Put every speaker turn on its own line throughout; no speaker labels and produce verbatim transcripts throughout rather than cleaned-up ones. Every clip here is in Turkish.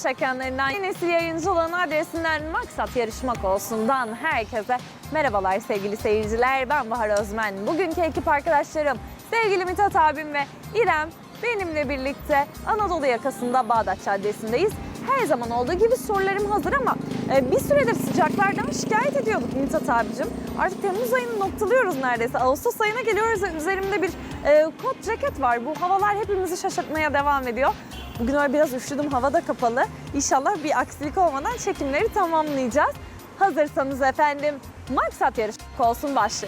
dış ekranlarından yeni nesil yayıncılığın adresinden Maksat Yarışmak Olsun'dan herkese merhabalar sevgili seyirciler. Ben Bahar Özmen. Bugünkü ekip arkadaşlarım sevgili Mithat abim ve İrem benimle birlikte Anadolu yakasında Bağdat Caddesi'ndeyiz. Her zaman olduğu gibi sorularım hazır ama bir süredir sıcaklardan şikayet ediyorduk Mithat abicim. Artık Temmuz ayını noktalıyoruz neredeyse. Ağustos ayına geliyoruz. Üzerimde bir e, kot ceket var. Bu havalar hepimizi şaşırtmaya devam ediyor. Bugün öyle biraz üşüdüm. Hava da kapalı. İnşallah bir aksilik olmadan çekimleri tamamlayacağız. Hazırsanız efendim Maksat Yarışmak Olsun başlıyor.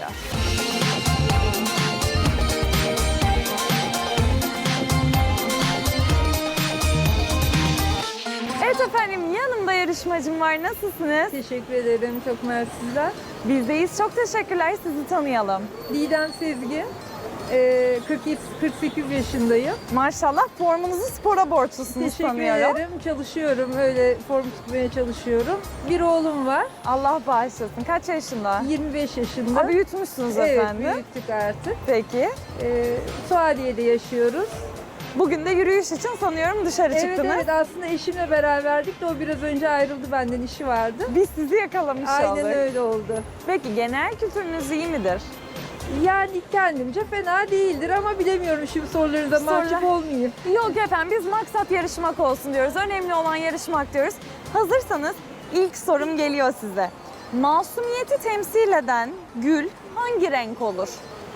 Evet efendim, yanımda yarışmacım var. Nasılsınız?
Teşekkür ederim. Çok mersi sizler.
Bizdeyiz. Çok teşekkürler. Sizi tanıyalım.
Didem Sezgin. Ee, kırk yedi kırk sekiz yaşındayım.
Maşallah formunuzu spora borçlusunuz
Teşekkür
sanıyorum.
ederim. Çalışıyorum. Öyle form tutmaya çalışıyorum. Bir oğlum var.
Allah bağışlasın. Kaç yaşında?
yirmi beş yaşında.
Ha, büyütmüşsünüz
Evet,
efendim.
büyüttük artık.
Peki.
Ee, Suadiye'de yaşıyoruz.
Bugün de yürüyüş için sanıyorum dışarı
Evet
çıktınız.
evet, aslında eşimle beraberdik de o biraz önce ayrıldı, benden işi vardı.
Biz sizi yakalamış
Aynen
olduk.
öyle oldu.
Peki genel kültürünüz iyi midir?
Yani kendimce fena değildir ama bilemiyorum, şimdi sorularınıza mahcup
Sorular-
olmayayım.
Yok efendim, biz maksat yarışmak olsun diyoruz. Önemli olan yarışmak diyoruz. Hazırsanız ilk sorum geliyor size. Masumiyeti temsil eden gül hangi renk olur?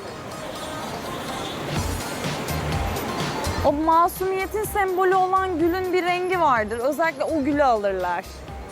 O masumiyetin sembolü olan gülün bir rengi vardır. Özellikle o gülü alırlar.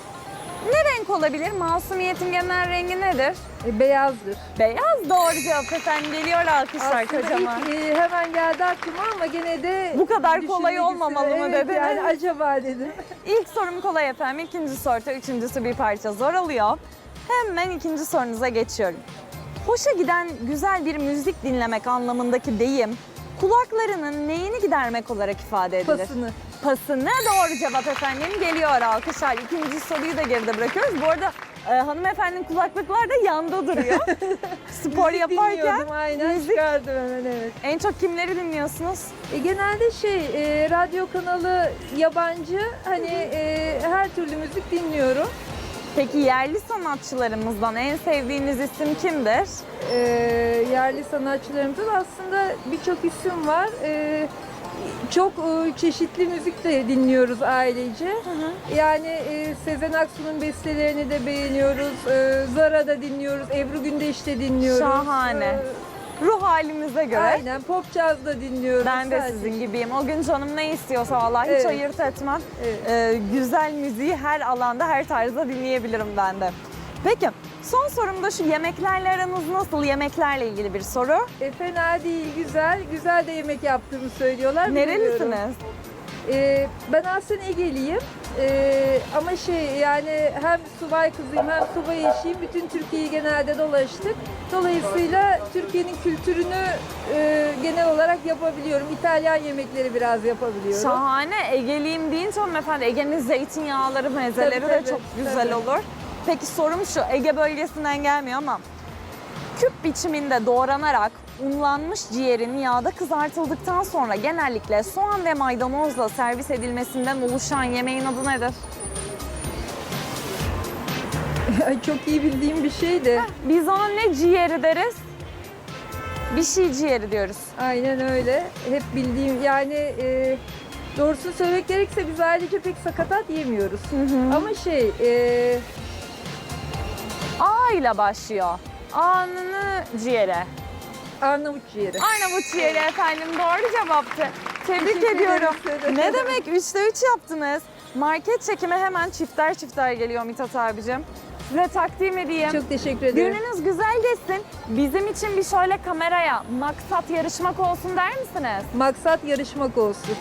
Ne renk olabilir? Masumiyetin genel rengi nedir?
E, beyazdır.
Beyaz, doğru cevap efendim. Geliyor alkışlar
Aslında
kocaman.
ilk, e, hemen geldi aklıma ama gene de
Bu kadar kolay
düşünmek
olmamalı
istedim.
mı
Evet,
dediniz?
yani acaba dedim.
İlk sorum kolay efendim. İkinci soruda üçüncüsü bir parça zor oluyor. Hemen ikinci sorunuza geçiyorum. Hoşa giden güzel bir müzik dinlemek anlamındaki deyim kulaklarının neyini gidermek olarak ifade edilir?
Pasını.
Pasını, doğru cevap efendim. Geliyor alkışlar. İkinci soruyu da geride bırakıyoruz. Bu arada e, hanımefendinin kulaklıklar da yanda duruyor. Spor
Müzik
yaparken
dinliyordum, aynen
müzik.
çıkardım hemen, evet.
En çok kimleri dinliyorsunuz?
E, genelde şey e, radyo kanalı yabancı, hani e, her türlü müzik dinliyorum.
Peki yerli sanatçılarımızdan en sevdiğiniz isim kimdir?
E, yerli sanatçılarımızın aslında birçok isim var. E, çok e, çeşitli müzik de dinliyoruz ailece.
Hı hı.
Yani e, Sezen Aksu'nun bestelerini de beğeniyoruz. E, Zara da dinliyoruz. Ebru Gündeş de dinliyoruz.
Şahane.
E,
Ruh halimize göre.
aynen, pop jazz da dinliyoruz.
Ben de
Sadece.
sizin gibiyim. O gün canım ne istiyorsa vallahi hiç
Evet.
ayırt etmem.
Evet.
Ee, güzel müziği her alanda, her tarzda dinleyebilirim ben de. Peki, son sorum da şu: yemeklerle aranız nasıl? Yemeklerle ilgili bir soru.
E, fena değil, güzel. Güzel de yemek yaptığımı söylüyorlar. Bilmiyorum.
Nerelisiniz?
E, ben aslında Ege'liyim. E, ama şey, yani hem subay kızıyım hem subay eşiyim. Bütün Türkiye'yi genelde dolaştık. Dolayısıyla Türkiye'nin kültürünü e, genel olarak yapabiliyorum. İtalyan yemekleri biraz yapabiliyorum.
Şahane. Ege'liyim deyince hanımefendi, Ege'nin zeytinyağları, mezeleri
Tabii,
de
tabii,
çok güzel
tabii.
olur. Peki sorum şu: Ege bölgesinden gelmiyor ama küp biçiminde doğranarak unlanmış ciğerin yağda kızartıldıktan sonra genellikle soğan ve maydanozla servis edilmesinden oluşan yemeğin adı nedir?
Çok iyi bildiğim bir şey de.
Biz ona ne ciğeri deriz? Bir şey ciğeri diyoruz.
Aynen öyle. Hep bildiğim, yani e, doğrusunu söylemek gerekirse biz ailece pek sakatat yemiyoruz. Ama şey, e,
A ile başlıyor. A'nını ciğere.
Arnavut ciğeri.
Arnavut ciğeri efendim, doğru cevaptı. Tebrik
Teşekkür
ediyorum.
ederim.
Ne demek, üçte üç yaptınız. Market çekimi hemen çifter çifter geliyor Mithat abicim. Size takdim edeyim.
Çok teşekkür ederim.
Gününüz güzel geçsin. Bizim için bir şöyle kameraya maksat yarışmak olsun der misiniz?
Maksat yarışmak olsun.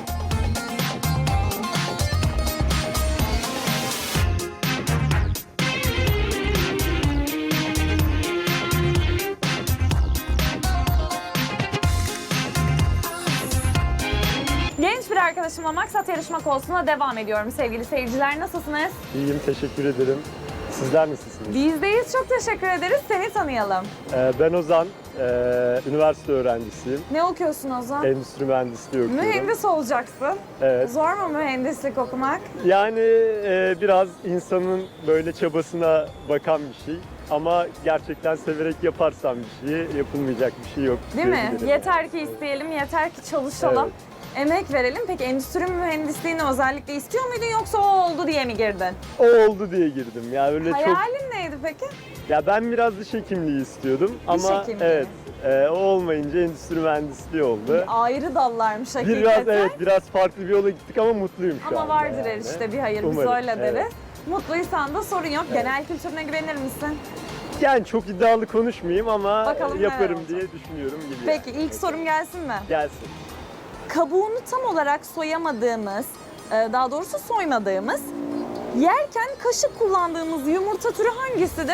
Genç bir arkadaşımla maksat yarışmak olsun'a devam ediyorum sevgili seyirciler. Nasılsınız?
İyiyim, teşekkür ederim. Sizler nasılsınız?
Bizdeyiz. Çok teşekkür ederiz. Seni tanıyalım.
Ee, ben Ozan, ee, üniversite öğrencisiyim.
Ne okuyorsun Ozan?
Endüstri mühendisliği okuyorum.
Mühendis olacaksın.
Evet.
Zor mu mühendislik okumak?
Yani ee, biraz insanın böyle çabasına bakan bir şey. Ama gerçekten severek yaparsam bir şey, yapılmayacak bir şey yok.
Değil mi?
diyebilirim.
Yeter ki isteyelim, yeter ki çalışalım.
Evet.
Emek verelim. Peki endüstri mühendisliğini özellikle istiyor muydun yoksa o oldu diye mi girdin?
O oldu diye girdim. Yani öyle çok.
Hayalin neydi peki?
Ya ben biraz diş hekimliği istiyordum ama
hekimliği.
evet, ee, o olmayınca endüstri mühendisliği oldu.
Ayrı dallarmış hakikaten.
Biraz evet, biraz farklı bir yola gittik ama mutluyum şu
Ama
anda.
vardır her
yani.
işte bir hayır. Biz
Umarım,
öyle
evet.
deriz. Mutluysan da sorun yok. Genel kültürüne güvenir misin?
Yani çok iddialı konuşmayayım ama
Bakalım neler
yaparım
olacak.
diye düşünüyorum gibi.
Peki
yani.
ilk sorum gelsin mi?
Gelsin.
Kabuğunu tam olarak soyamadığımız, e, daha doğrusu soymadığımız, yerken kaşık kullandığımız yumurta türü hangisidir?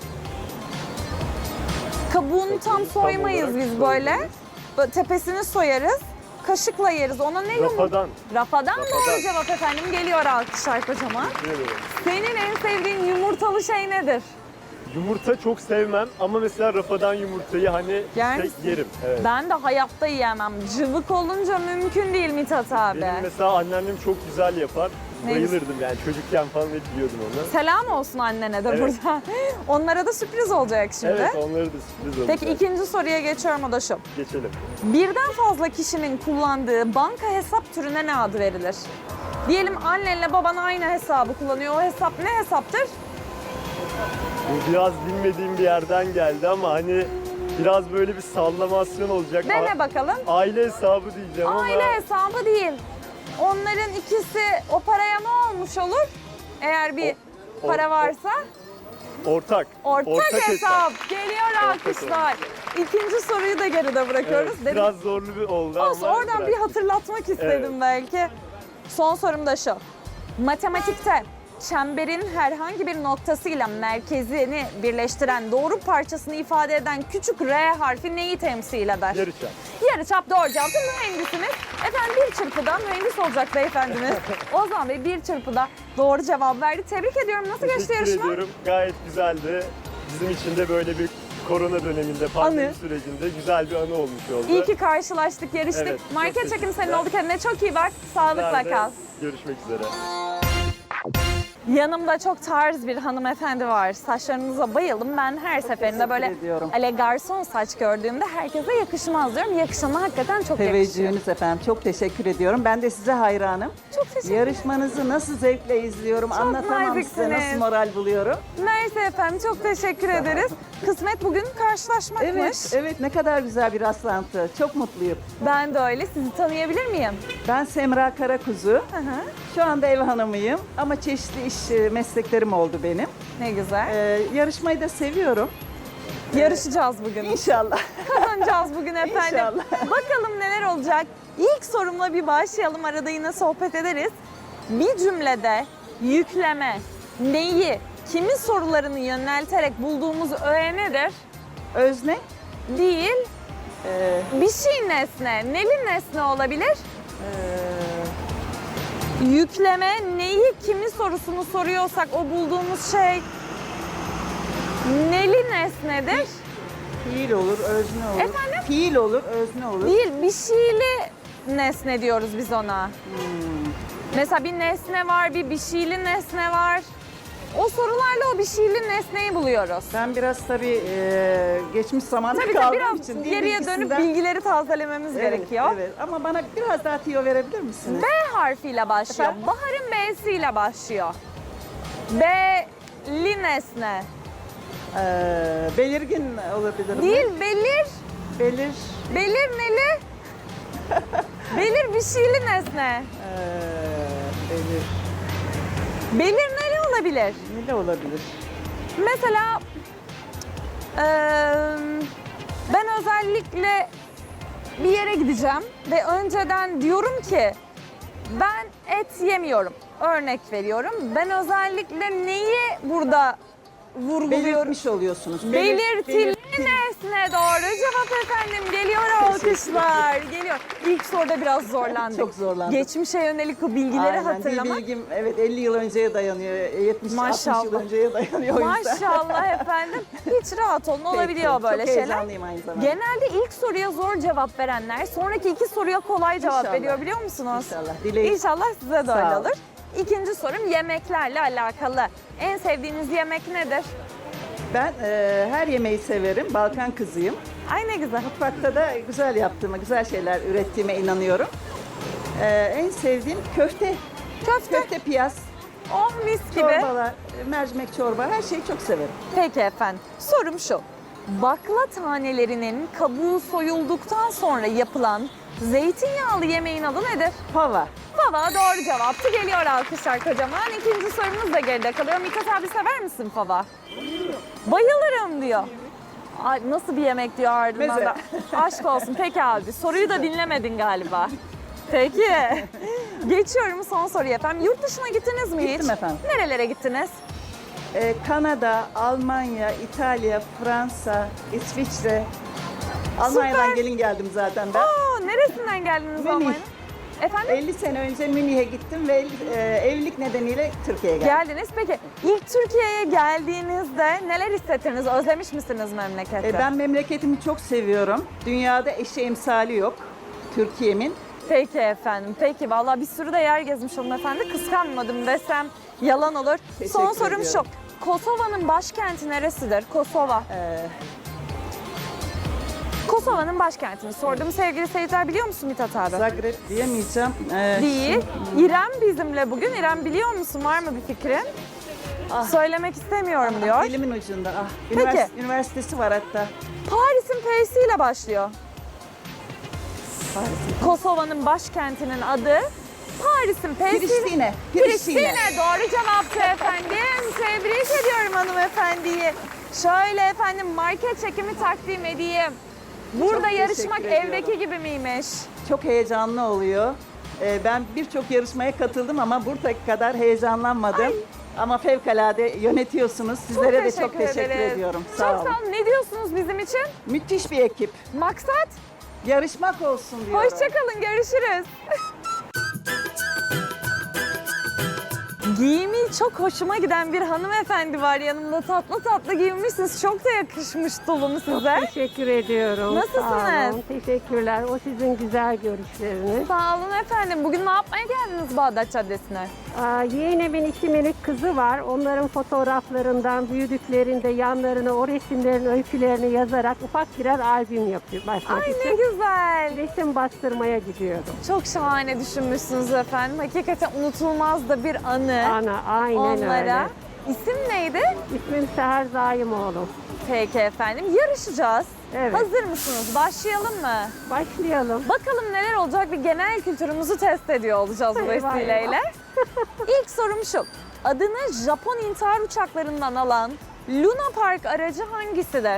Kabuğunu tam
tam
soymayız
olarak
biz böyle.
soymayız.
Böyle tepesini soyarız. Kaşıkla yeriz. Ona ne yumurta?
Rafadan.
Rafadan doğru
Rafadan.
cevap efendim. Geliyor alkışlar kocaman.
Teşekkür ederim.
Senin en sevdiğin yumurtalı şey nedir?
Yumurta çok sevmem ama mesela rafadan yumurtayı hani
Yer
tek
misin?
yerim. Evet.
Ben de hayatta yiyemem. Cıvık olunca mümkün değil Mithat abi.
Benim mesela anneannem çok güzel yapar.
Ne
Bayılırdım yani çocukken falan hep yiyordum onu.
Selam olsun annene de
Evet.
burada. Onlara da sürpriz olacak şimdi.
Evet, onları da sürpriz olacak.
Peki ikinci soruya geçiyorum, o da şu.
Geçelim.
Birden fazla kişinin kullandığı banka hesap türüne ne adı verilir? Diyelim annenle baban aynı hesabı kullanıyor. O hesap ne hesaptır?
Bu biraz bilmediğim bir yerden geldi ama hani biraz böyle bir sallamasyon olacak.
Dene
A-
bakalım.
Aile hesabı diyeceğim ama.
Aile hesabı değil. Onların ikisi o paraya ne olmuş olur? Eğer bir
O-
para
o-
varsa.
Ortak.
Ortak, hesap. Geliyor alkışlar. İkinci soruyu da geride bırakıyoruz.
Evet,
Dedim-
biraz zorlu bir oldu
Olsun,
ama.
oradan bir
bıraktık.
hatırlatmak istedim
Evet.
belki. Son sorum da şu. Matematikte çemberin herhangi bir noktasıyla merkezini birleştiren doğru parçasını ifade eden küçük R harfi neyi temsil eder?
Yarışa.
Yarıçap doğru cevap. Mühendisimiz. Efendim bir çırpıda mühendis olacak beyefendimiz. Ozan Bey bir çırpıda doğru cevap verdi. Tebrik ediyorum. Nasıl geçti
Teşekkür
yarışma?
ediyorum. Gayet güzeldi. Bizim için de böyle bir korona döneminde, pandemi
Anı.
sürecinde güzel bir anı olmuş oldu.
İyi ki karşılaştık, yarıştık.
Evet, çok
Market çekim senin
teşekkürler.
oldu. Kendine çok iyi bak. Sağlıkla
Sizler de
kal.
Görüşmek üzere.
Yanımda çok tarz bir hanımefendi var. Saçlarınıza bayıldım. Ben her seferinde böyle
ediyorum.
ele garson saç gördüğümde herkese yakışmaz diyorum. Yakışana hakikaten çok yakışıyor.
Teveccühünüz efendim. Çok teşekkür ediyorum. Ben de size hayranım.
Çok teşekkür ederim.
Yarışmanızı nasıl zevkle izliyorum. Anlatamam size
naziksiniz.
nasıl moral buluyorum.
Mersi efendim, çok teşekkür ederiz. Kısmet bugün karşılaşmakmış.
Evet, evet ne kadar güzel bir rastlantı. Çok mutluyum.
Ben de öyle. Sizi tanıyabilir miyim?
Ben Semra Karakuzu.
Hı hı.
Şu anda ev hanımıyım ama çeşitli iş e, mesleklerim oldu benim.
Ne güzel.
Ee, yarışmayı da seviyorum.
Yarışacağız bugün.
İnşallah.
Kazanacağız bugün efendim.
İnşallah.
Bakalım neler olacak. İlk sorumla bir başlayalım. Arada yine sohbet ederiz. Bir cümlede yükleme, neyi, kimin sorularını yönelterek bulduğumuz öğe nedir?
Özne.
Değil,
Ee,
bir şey nesne. Neli nesne olabilir?
e,
Yükleme, neyi, kimi sorusunu soruyorsak o bulduğumuz şey neli nesnedir?
fiil olur, özne olur.
Efendim?
Fiil olur, özne olur.
Değil, bir şeyli nesne diyoruz biz ona. Mesela bir nesne var, bir bir şeyli nesne var. O sorularla o bir şeyli nesneyi buluyoruz.
Ben biraz tabii e, geçmiş zamanda
Tabii
kaldığım
tabii
için
biraz
dil
geriye dönüp
bilgisinden-
bilgileri tazelememiz
Evet,
gerekiyor.
Evet, ama bana biraz daha tiyo verebilir misiniz?
B harfiyle başlıyor.
Efendim?
Bahar'ın B'siyle başlıyor. B'li nesne.
Ee, belirgin olabilir mi?
Değil, belir.
Belir.
Belir neli? Belir bir şeyli nesne.
ee, belir.
Belir neli olabilir?
Ne de olabilir?
Mesela eee, ben özellikle bir yere gideceğim ve önceden diyorum ki ben et yemiyorum. Örnek veriyorum. Ben özellikle neyi burada vurguluyorum.
Belirtmiş oluyorsunuz.
Belirtili
Belir-
nesne doğru cevap efendim. Geliyor alkışlar. Geliyor. İlk soruda biraz zorlandık.
Çok zorlandık.
Geçmişe yönelik o bilgileri
Aynen,
hatırlamak.
dil bilgim evet elli yıl önceye dayanıyor. yetmiş altmış
Maşallah.
yıl önceye dayanıyor o yüzden.
Maşallah efendim. Hiç rahat olun, olabiliyor
Peki,
böyle
çok
şeyler.
heyecanlıyım aynı zamanda.
Genelde ilk soruya zor cevap verenler sonraki iki soruya kolay cevap
İnşallah.
veriyor biliyor musunuz?
İnşallah. Dileğim.
İnşallah size de
Sağ
öyle
olun.
olur. İkinci sorum yemeklerle alakalı. En sevdiğiniz yemek nedir?
Ben e, her yemeği severim. Balkan kızıyım.
Ay ne güzel.
Mutfakta da güzel yaptığıma, güzel şeyler ürettiğime inanıyorum. E, en sevdiğim köfte.
Köfte.
Köfte piyaz,
Oh mis gibi.
çorbalar, mercimek çorba her şeyi çok severim.
Peki efendim. Sorum şu. Bakla tanelerinin kabuğu soyulduktan sonra yapılan zeytinyağlı yemeğin adı nedir?
Fava.
Fava doğru cevaptı. Geliyor alkışlar kocaman. İkinci sorumuz da geride kalıyor. Mithat abi sever misin fava? Bayılırım diyor. Ay, nasıl bir yemek diyor ardından
Meze.
da. Aşk olsun. Peki abi soruyu da dinlemedin galiba. Peki. Geçiyorum son soruya efendim. Yurt dışına gittiniz mi hiç?
Gittim efendim.
Nerelere gittiniz?
E, Kanada, Almanya, İtalya, Fransa, İsviçre. Almanya'dan gelin geldim zaten ben.
Aa, neresinden geldiniz
Münih.
Almanya'nın? Efendim?
elli sene önce Münih'e gittim ve e, evlilik nedeniyle Türkiye'ye geldim.
Geldiniz. Peki ilk Türkiye'ye geldiğinizde neler hissettiniz? Özlemiş misiniz memleketi?
E, ben memleketimi çok seviyorum. Dünyada eşi emsali yok Türkiye'min.
Peki efendim. Peki vallahi bir sürü de yer gezmiş hanımefendi. Kıskanmadım desem yalan olur.
Teşekkür
Son sorum
ediyorum.
şu. Kosova'nın başkenti neresidir? Kosova.
E,
Kosova'nın başkentini sordum. Sevgili seyirciler biliyor musun Mithat abi?
Zagreb diyemeyeceğim. E,
Değil. İrem bizimle bugün. İrem biliyor musun? Var mı bir fikrin?
Ah.
Söylemek istemiyorum diyor.
Dilimin ucunda. Ah,
Peki.
ünivers- üniversitesi var hatta.
Paris'in P'siyle başlıyor.
Paris'in.
Kosova'nın başkentinin adı Paris'in P'siyle.
Priştine.
Priştine. Doğru cevaptı efendim. Tebrik ediyorum hanımefendiyi. Şöyle efendim market çekimi takdim edeyim. Burada
Çok
yarışmak
teşekkür ediyorum.
evdeki gibi miymiş?
Çok heyecanlı oluyor. E, ben birçok yarışmaya katıldım ama buradaki kadar heyecanlanmadım. Ama fevkalade yönetiyorsunuz. Sizlere de çok teşekkür
ederiz.
ediyorum.
Çok
Sağ olun.
sağ olun. Ne diyorsunuz bizim için?
Müthiş bir ekip.
Maksat?
Yarışmak olsun diyorum.
Hoşçakalın. Görüşürüz. Giyimi çok hoşuma giden bir hanımefendi var yanımda. Tatlı tatlı giyinmişsiniz. Çok da yakışmış tulum size.
Teşekkür ediyorum.
Nasılsınız?
Sağ olun. Teşekkürler. O sizin güzel görüşleriniz.
Sağ olun efendim. Bugün ne yapmaya geldiniz Bağdat Caddesi'ne?
Aa, yeğenimin iki minik kızı var. Onların fotoğraflarından büyüdüklerinde yanlarına o resimlerin öykülerini yazarak ufak birer albüm yapıyor. Başlamak
Ay ne
için.
güzel.
Resim bastırmaya gidiyordum.
Çok şahane düşünmüşsünüz efendim. Hakikaten unutulmaz da bir anı
Ana aynen
onlara.
öyle.
İsim neydi?
İsmim Seher Zaimoğlu.
Peki efendim. Yarışacağız.
Evet.
Hazır mısınız? Başlayalım mı?
Başlayalım.
Bakalım neler olacak, bir genel kültürümüzü test ediyor olacağız bu
Eyvah,
vesileyle.
eyvah.
İlk sorum şu. Adını Japon intihar uçaklarından alan Luna Park aracı hangisidir?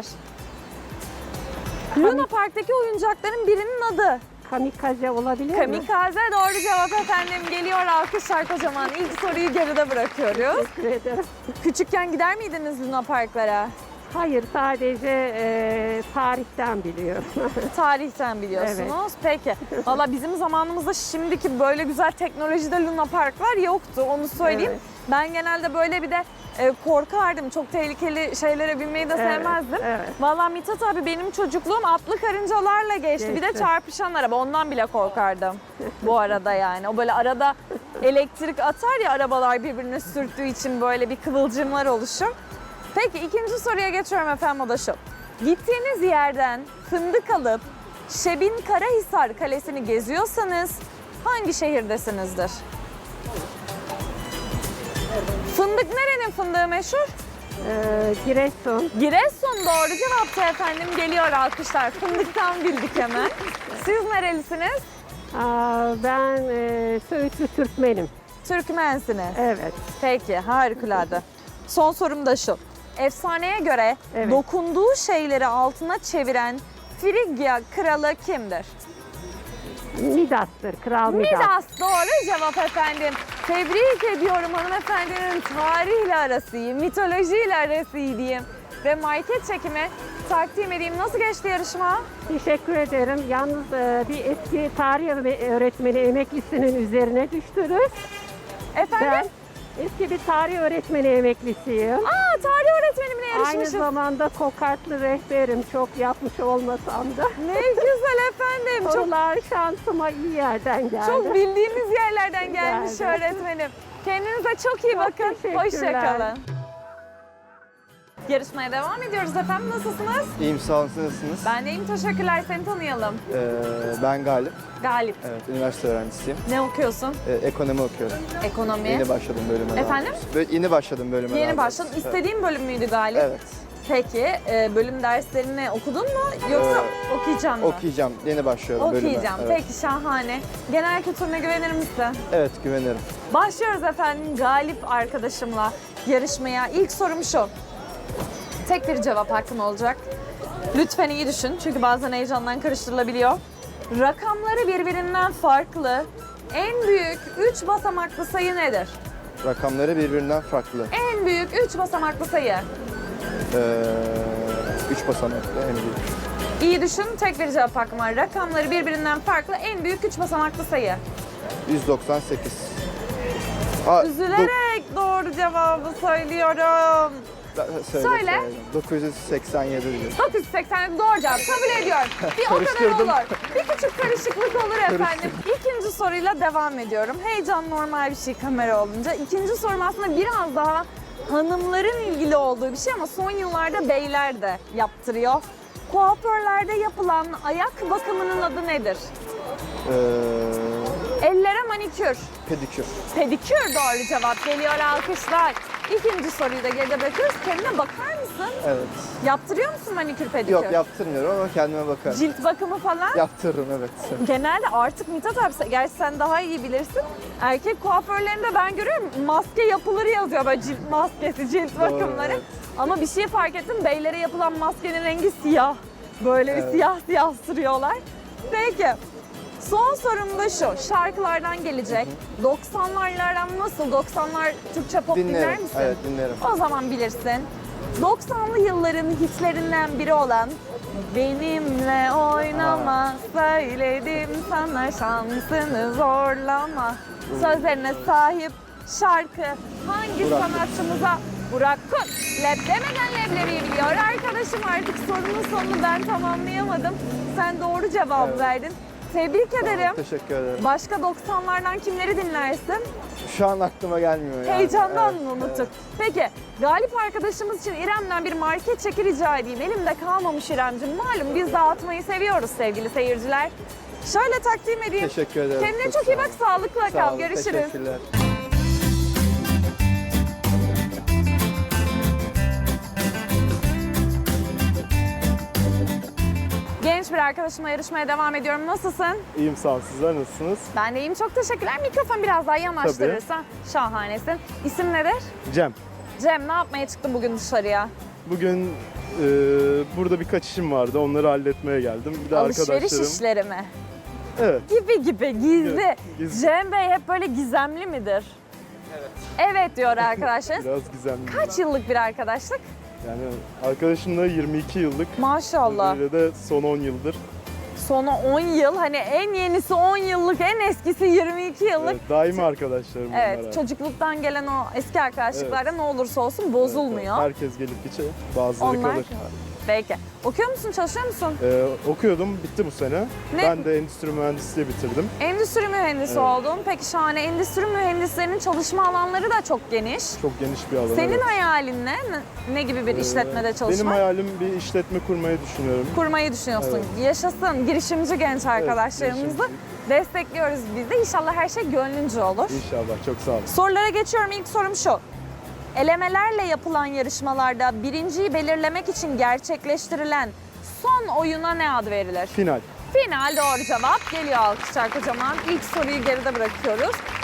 Luna Park'taki oyuncakların birinin adı.
Kamikaze olabilir mi?
Kamikaze doğru cevap efendim. Geliyor alkışlar kocaman. İlk soruyu geride bırakıyoruz.
Teşekkür ederim.
Küçükken gider miydiniz Luna Park'lara?
Hayır, sadece e, tarihten biliyorum.
Tarihten biliyorsunuz. Peki. Valla bizim zamanımızda şimdiki böyle güzel teknolojide Luna Parklar yoktu. Onu söyleyeyim.
Evet.
Ben genelde böyle bir de e, korkardım. Çok tehlikeli şeylere binmeyi de
Evet,
sevmezdim.
evet.
Valla Mithat abi benim çocukluğum atlı karıncalarla geçti. Bir de
Geçti.
çarpışan araba. Ondan bile korkardım. Bu arada yani. O böyle arada elektrik atar ya arabalar birbirine sürttüğü için böyle bir kıvılcımlar oluşur. Peki ikinci soruya geçiyorum efendim, o da şu. Gittiğiniz yerden fındık alıp Şebin Karahisar Kalesi'ni geziyorsanız hangi şehirdesinizdir? Fındık nerenin fındığı meşhur?
E, Giresun.
Giresun doğru cevaptı efendim. Geliyor alkışlar. Fındıktan bildik hemen. Siz nerelisiniz?
Aa, ben e, Söğütlü Türkmenim.
Türkmensiniz.
Evet.
Peki harikulade. Son sorum da şu. Efsaneye göre
Evet.
dokunduğu şeyleri altına çeviren Frigya kralı kimdir?
Midas'tır, Kral Midas.
Midas doğru cevap efendim. Tebrik ediyorum hanımefendinin tarihle arası iyi, mitolojiyle arası iyi diyeyim. Ve market çekimi takdim edeyim. Nasıl geçti yarışma?
Teşekkür ederim. Yalnız e, bir eski tarih öğretmeni emeklisinin üzerine düştünüz.
Efendim?
Ben eski bir tarih öğretmeni emeklisiyim.
Aa, tarih öğretmenimle
Aynı
yarışmışız.
zamanda kokartlı rehberim, çok yapmış olmasam da.
Ne güzel efendim. Çok
Sorular şansıma iyi yerden geldi.
Çok bildiğimiz yerlerden gelmiş
Geldi.
öğretmenim. Kendinize çok iyi
Çok
bakın.
teşekkürler.
Hoşçakalın. Yarışmaya devam ediyoruz efendim. Nasılsınız?
İyiyim, sağ olun. Siz nasılsınız?
Ben de iyiyim. Teşekkürler. Seni tanıyalım.
Ee, ben Galip.
Galip.
Evet, üniversite öğrencisiyim.
Ne okuyorsun?
Ee, ekonomi okuyorum.
Ekonomi.
Yeni başladım bölüme.
Efendim?
Böyle yeni başladım bölüme.
Yeni
daha
başladın.
doğrusu.
İstediğin bölüm müydü Galip?
Evet.
Peki e, bölüm derslerini okudun mu yoksa okuyacaksın mı?
Okuyacağım. Yeni başlıyorum bölüme.
Okuyacağım.
Evet.
Peki şahane. Genel kültürüne güvenir misin?
Evet, güvenirim.
Başlıyoruz efendim Galip arkadaşımla yarışmaya. İlk sorum şu. Tek bir cevap hakkın olacak. Lütfen iyi düşün çünkü bazen heyecandan karıştırılabiliyor. Rakamları birbirinden farklı en büyük üç basamaklı sayı nedir?
Rakamları birbirinden farklı.
En büyük üç basamaklı sayı.
Ee, üç basamaklı en büyük.
İyi düşün, tek bir cevap hakkım var. Rakamları birbirinden farklı en büyük üç basamaklı sayı.
yüz doksan sekiz. Aa,
Üzülerek doğru cevabı söylüyorum.
dok- söyle,
Söyle.
söyle. dokuz yüz seksen yedi diyor.
dokuz yüz seksen doğru cevap kabul ediyorum. Bir o kadar
Karıştırdım.
olur. Bir küçük karışıklık olur efendim. İkinci soruyla devam ediyorum. Heyecan normal bir şey kamera olunca. İkinci sorum aslında biraz daha hanımların ilgili olduğu bir şey ama son yıllarda beyler de yaptırıyor. Kuaförlerde yapılan ayak bakımının adı nedir?
Ee,
Ellere manikür.
pedikür.
Pedikür doğru cevap geliyor alkışlar. İkinci soruyu da geride bırakıyoruz. Kendine bakar mısın?
Evet.
Yaptırıyor musun manikür pedikür?
Yok, yaptırmıyorum ama kendime bakarım.
Cilt bakımı falan?
Yaptırırım, evet.
Genelde artık Mithat abi, gerçi sen daha iyi bilirsin. Erkek kuaförlerinde ben görüyorum maske yapılır yazıyor böyle cilt maskesi, cilt bakımları.
evet.
Ama bir şey fark ettim, beylere yapılan maskenin rengi siyah. Böyle bir
Evet.
siyah siyah sürüyorlar. Peki. Son sorum da şu, şarkılardan gelecek. doksanlarlardan nasıl? doksanlar Türkçe pop dinler
Dinlerim.
misin?
Evet, dinlerim.
O zaman bilirsin. doksanlı yılların hitlerinden biri olan Benimle oynama, söyledim sana şansını zorlama. Sözlerine sahip şarkı hangi
Burak Kut.
sanatçımıza? Burak Kut. Leb demeden leblebiyi biliyor. Arkadaşım artık sorunun sonunu ben tamamlayamadım. Sen doğru cevap
Evet.
verdin. Tebrik ederim.
Teşekkür ederim.
Başka doksanlardan kimleri dinlersin?
Şu an aklıma gelmiyor yani.
Heyecandan
Evet,
mı unuttuk?
evet.
Peki Galip arkadaşımız için İrem'den bir market çeki rica edeyim. Elimde kalmamış İremciğim. Malum biz dağıtmayı seviyoruz sevgili seyirciler. Şöyle takdim edeyim.
Teşekkür ederim.
Kendine çok,
sağ
iyi bak,
olun.
sağlıkla
Sağ
kal.
olun,
Görüşürüz.
Teşekkürler.
Genç bir arkadaşımla yarışmaya devam ediyorum. Nasılsın?
İyiyim sağ olun. Sizler nasılsınız?
Ben de iyiyim. Çok teşekkürler. Mikrofon biraz daha yanaştırırsan şahanesin. İsim nedir?
Cem.
Cem, ne yapmaya çıktın bugün dışarıya?
Bugün e, burada birkaç işim vardı. Onları halletmeye geldim. Bir de
Alışveriş
arkadaşlarım.
işleri mi?
Evet.
Gibi gibi, gizli.
Evet, gizli.
Cem Bey hep böyle gizemli midir? Evet. Evet diyor arkadaşlar.
Biraz gizemli.
Kaç yıllık bir arkadaşlık?
Yani arkadaşımla yirmi iki yıllık.
Maşallah.
Böyle de son on yıldır.
Sonu on yıl, hani en yenisi on yıllık, en eskisi yirmi iki yıllık.
Evet, daimi arkadaşlarım
Evet,
bunlar.
çocukluktan gelen o eski arkadaşlıklarda ne olursa olsun bozulmuyor.
Evet, herkes gelip geçiyor. Bazıları
Onlar
kalır.
Peki. Okuyor musun, çalışıyor musun?
Ee, okuyordum, bitti bu sene.
Ne?
Ben de endüstri mühendisliği bitirdim.
Endüstri mühendisi
Evet.
oldun. Peki şahane. Endüstri mühendislerinin çalışma alanları da çok geniş.
Çok geniş bir alan.
Senin
evet.
hayalin ne? Ne- Ne gibi bir
Ee,
işletmede çalışmak?
Benim hayalim bir işletme kurmayı düşünüyorum.
Kurmayı düşünüyorsun. Yaşasın girişimci genç arkadaşlarımızı
girişimci.
destekliyoruz biz de. İnşallah her şey gönlünce olur.
İnşallah, çok sağ olun.
Sorulara geçiyorum. İlk sorum şu. Elemelerle yapılan yarışmalarda birinciyi belirlemek için gerçekleştirilen son oyuna ne ad verilir?
Final.
Final doğru cevap. Geliyor alkışlar kocaman. İlk soruyu geride bırakıyoruz.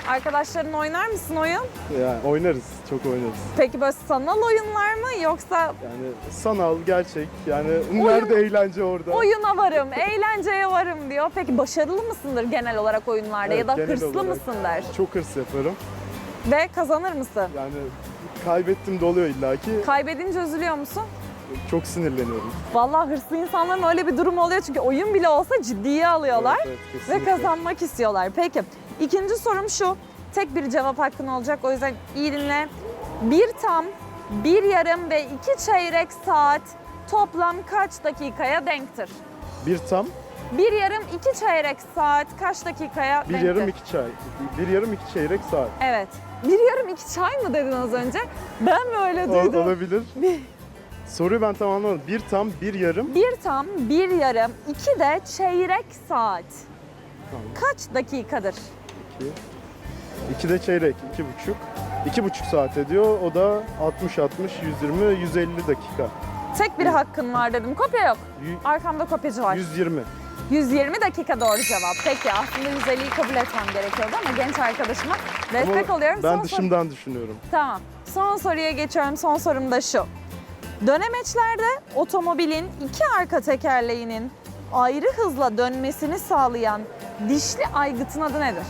Arkadaşların oynar mısın oyun?
Yani oynarız, çok oynarız.
Peki böyle sanal oyunlar mı yoksa
Yani sanal, gerçek. Yani nerede eğlence orada?
oyuna varım, eğlenceye varım diyor. Peki başarılı mısındır genel olarak oyunlarda
Evet,
ya da
genel
hırslı
olarak
mısındır?
Çok hırs yaparım.
Ve kazanır mısın?
Yani kaybettim de oluyor illaki.
Kaybedince üzülüyor musun?
Çok sinirleniyorum.
Vallahi hırslı insanların öyle bir durumu oluyor çünkü oyun bile olsa ciddiye alıyorlar
Evet, evet,
ve
kesinlikle.
kazanmak istiyorlar. Peki ikinci sorum şu. Tek bir cevap hakkın olacak o yüzden iyi dinle. Bir tam, bir yarım ve iki çeyrek saat toplam kaç dakikaya denktir?
Bir tam,
Bir yarım, iki çeyrek saat kaç dakikaya
bir
denktir?
yarım iki çay. Bir yarım iki çeyrek saat.
Evet. Bir yarım iki çay mı dedin az önce? Ben mi öyle
O-
duydum?
olabilir. Soruyu ben tam anlamadım. Bir tam, bir yarım.
Bir tam, bir yarım, iki de çeyrek saat.
Tamam.
Kaç dakikadır?
iki. İki de çeyrek, iki buçuk. İki buçuk saat ediyor. O da altmış altmış, yüz yirmi, yüz elli dakika.
Tek bir hakkın var dedim. Kopya yok.
Yü-
Arkamda kopyacı var.
yüz yirmi.
yüz yirmi dakika doğru cevap. Peki aslında yüz elliyi kabul etmem gerekiyordu ama genç arkadaşıma destek
Ama
oluyorum.
ben
Son soru-
dışımdan düşünüyorum.
Tamam. Son soruya geçiyorum. Son sorum da şu. Dönemeçlerde otomobilin iki arka tekerleğinin ayrı hızla dönmesini sağlayan dişli aygıtın adı nedir?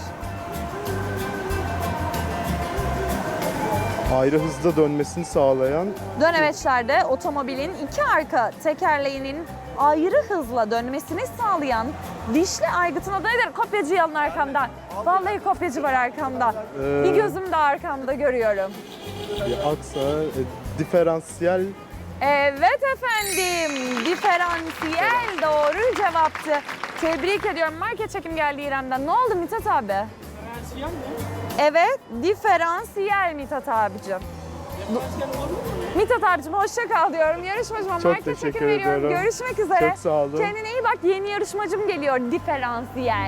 Ayrı hızda dönmesini sağlayan
Dönemeçlerde otomobilin iki arka tekerleğinin ayrı hızla dönmesini sağlayan dişli aygıtın adı nedir? Kopyacı yanın arkamda. Vallahi kopyacı var arkamda.
Ee,
Bir gözüm de arkamda görüyorum.
bir aksa, e, diferansiyel.
Evet efendim, diferansiyel doğru cevaptı. Tebrik ediyorum. Market çekim geldi İrem'den. Ne oldu Mithat abi? Diferansiyel mi? Evet, diferansiyel Mithat abicim. Mithat abicim hoşça kal diyorum. Yarışmacıma
Çok
market
teşekkür
çekim veriyorum.
ediyorum.
Görüşmek üzere.
Çok sağ olun.
Kendine iyi bak. Yeni yarışmacım geliyor. Diferansiyel.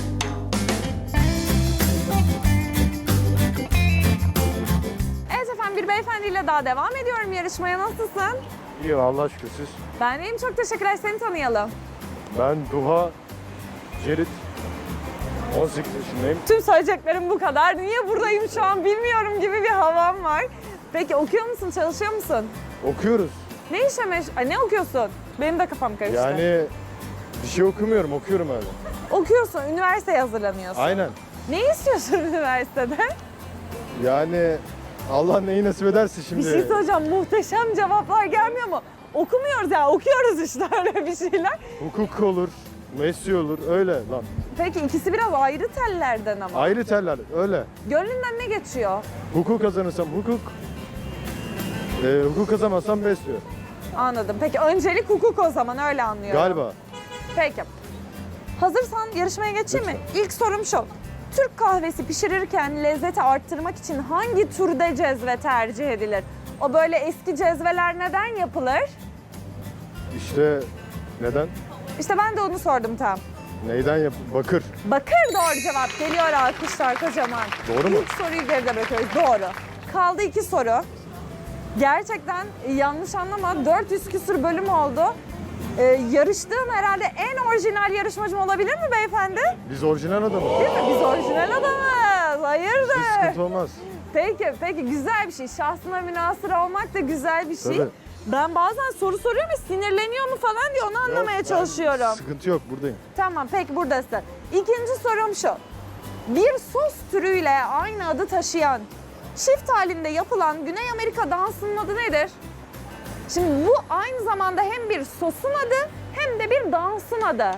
Evet efendim bir beyefendiyle daha devam ediyorum yarışmaya. Nasılsın?
İyi Allah şükür siz.
Ben deyim çok teşekkürler. Seni tanıyalım.
Ben Duha Cerit. on sekiz yaşındayım.
Tüm söyleyeceklerim bu kadar. Niye buradayım şu an bilmiyorum gibi bir havam var. Peki okuyor musun, çalışıyor musun?
Okuyoruz.
Ne işe meş... Ay, ne okuyorsun? Benim de kafam karıştı.
Yani bir şey okumuyorum, okuyorum öyle.
Okuyorsun, üniversiteye hazırlanıyorsun.
Aynen.
Ne istiyorsun üniversitede?
Yani Allah neyi nasip ederse şimdi.
Bir şey söyleyeceğim, muhteşem cevaplar gelmiyor mu? Okumuyoruz ya, okuyoruz işte öyle bir şeyler.
Hukuk olur, mesleği olur, öyle lan.
Peki ikisi biraz ayrı tellerden ama.
Ayrı teller, öyle.
Gönlünden ne geçiyor?
Hukuk kazanırsam hukuk, e, hukuk kazanmazsam besliyor.
Anladım. Peki öncelik hukuk o zaman öyle anlıyorum.
Galiba.
Peki. Hazırsan yarışmaya geçeyim mi? İlk sorum şu. Türk kahvesi pişirirken lezzeti arttırmak için hangi türde cezve tercih edilir? O böyle eski cezveler neden yapılır?
İşte neden?
İşte ben de onu sordum tam.
Neyden yap? Bakır.
Bakır doğru cevap. Geliyor alkışlar kocaman.
Doğru mu?
İlk soruyu geride bırakıyoruz. Doğru. Kaldı iki soru. Gerçekten yanlış anlama dört yüz küsür bölüm oldu. Ee, yarıştığım herhalde en orijinal yarışmacım olabilir mi beyefendi?
Biz orijinal adamız.
Değil mi? Biz orijinal adamız. Hayırdır?
Hiç sıkıntı olmaz.
Peki, peki güzel bir şey. Şahsına münhasır olmak da güzel bir şey.
Tabii.
Ben bazen soru soruyorum ve sinirleniyor mu falan diye onu anlamaya
Yok, ben-
çalışıyorum.
Sıkıntı yok, buradayım.
Tamam, peki buradasın. İkinci sorum şu. Bir sos türüyle aynı adı taşıyan, çift halinde yapılan Güney Amerika dansının adı nedir? Şimdi bu aynı zamanda hem bir sosun adı hem de bir dansın adı.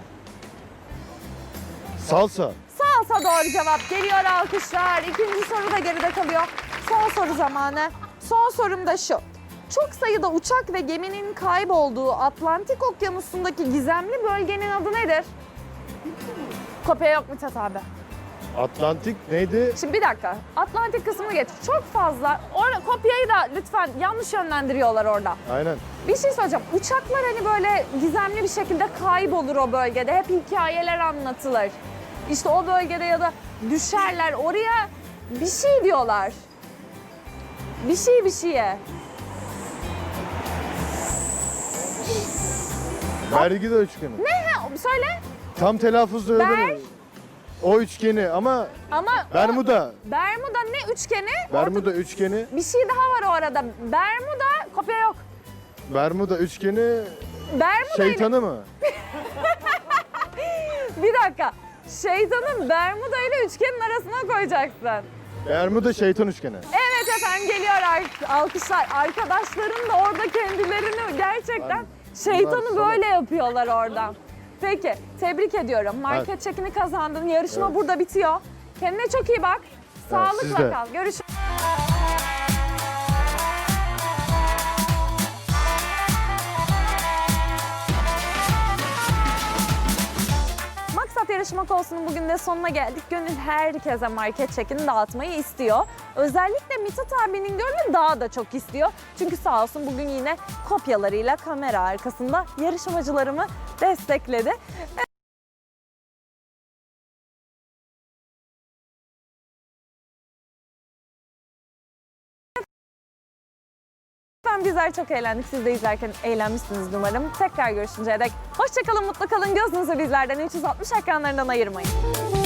Salsa.
Salsa doğru cevap. Geliyor alkışlar. İkinci soru da geride kalıyor. Son soru zamanı. Son sorum da şu. Çok sayıda uçak ve geminin kaybolduğu Atlantik Okyanusu'ndaki gizemli bölgenin adı nedir? Kopya yok Mithat abi.
Atlantik neydi?
Şimdi bir dakika. Atlantik kısmını geç. Çok fazla. Orada kopyayı da lütfen yanlış yönlendiriyorlar orada.
Aynen.
Bir şey söyleyeceğim. Uçaklar hani böyle gizemli bir şekilde kaybolur o bölgede. Hep hikayeler anlatılır. İşte o bölgede ya da düşerler. Oraya bir şey diyorlar. Bir şey bir şeye.
Vergi de üçgeni.
Ne? Söyle.
Tam telaffuzda öyle
Ber-
mi?
o üçgeni ama
Ama o-
Bermuda.
Bermuda ne üçgeni?
Bermuda üçgeni.
Bir şey daha var o arada. Bermuda kopya yok.
Bermuda üçgeni
Bermuda ile-
şeytanı mı?
Bir dakika. Şeytanın Bermuda ile üçgenin arasına koyacaksın.
Bermuda şeytan üçgeni.
Evet efendim geliyor ar- alkışlar. Arkadaşların da orada kendilerini gerçekten şeytanı
Bunlar
böyle yapıyorlar oradan. Peki tebrik ediyorum. Market
Evet.
çekini kazandın. Yarışma burada bitiyor. Kendine çok iyi bak. Sağlıkla
siz de.
kal. Görüşürüz. Maksat yarışmak olsunun bugün de sonuna geldik. Gönül herkese market çekini dağıtmayı istiyor. Özellikle Mithat abinin gönlü daha da çok istiyor. Çünkü sağ olsun bugün yine kopyalarıyla kamera arkasında yarışmacılarımı destekledi. Ben bizler çok eğlendik. Siz de izlerken eğlenmişsiniz umarım. Tekrar görüşünceye dek hoşça kalın, mutlu kalın. Gözünüzü bizlerden üç yüz altmış ekranlarından ayırmayın.